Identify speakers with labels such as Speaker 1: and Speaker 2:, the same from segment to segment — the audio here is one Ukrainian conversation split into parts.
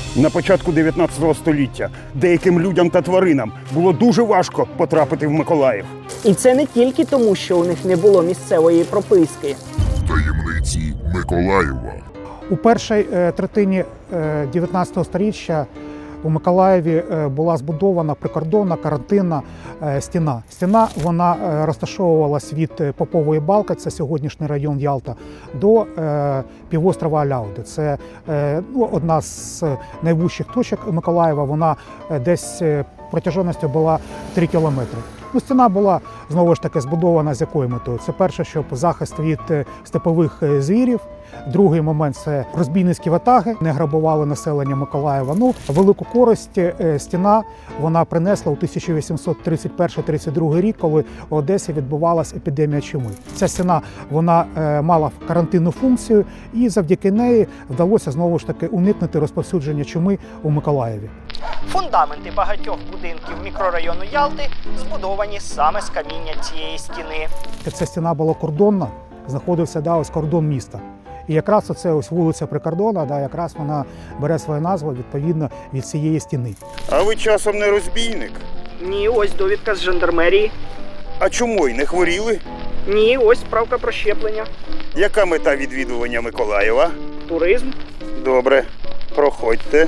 Speaker 1: На початку 19 століття деяким людям та тваринам було дуже важко потрапити в Миколаїв.
Speaker 2: І це не тільки тому, що у них не було місцевої прописки.
Speaker 3: Таємниці Миколаєва.
Speaker 4: У першій третині 19 століття у Миколаєві була збудована прикордонна карантинна стіна. Стіна вона розташовувалась від Попової Балки, це сьогоднішній район Ялта, до півострова Аляуди. Це одна з найвищих точок Миколаєва. Вона десь протяженістю була 3 кілометри. Стіна була, знову ж таки, збудована з якою метою? Це перше, щоб захист від степових звірів. Другий момент – це розбійницькі ватаги, не грабували населення Миколаєва. Велику користь стіна вона принесла у 1831-32 рік, коли в Одесі відбувалася епідемія чуми. Ця стіна вона мала карантинну функцію, і завдяки неї вдалося, знову ж таки, уникнути розповсюдження чуми у Миколаєві.
Speaker 2: Фундаменти багатьох будинків мікрорайону Ялти збудовані саме з каміння цієї стіни.
Speaker 4: Ця стіна була кордонна, знаходився ось кордон міста. І якраз оце ось вулиця Прикордонна, якраз вона бере свою назву відповідно від цієї стіни.
Speaker 1: А ви часом не розбійник?
Speaker 2: Ні, ось довідка з жандармерії.
Speaker 1: А чому й не хворіли?
Speaker 2: Ні, ось справка про щеплення.
Speaker 1: Яка мета відвідування Миколаєва?
Speaker 2: Туризм.
Speaker 1: Добре, проходьте.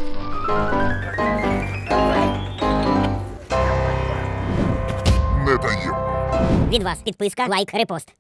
Speaker 3: Не таємно.
Speaker 5: Від вас підписка, лайк, репост.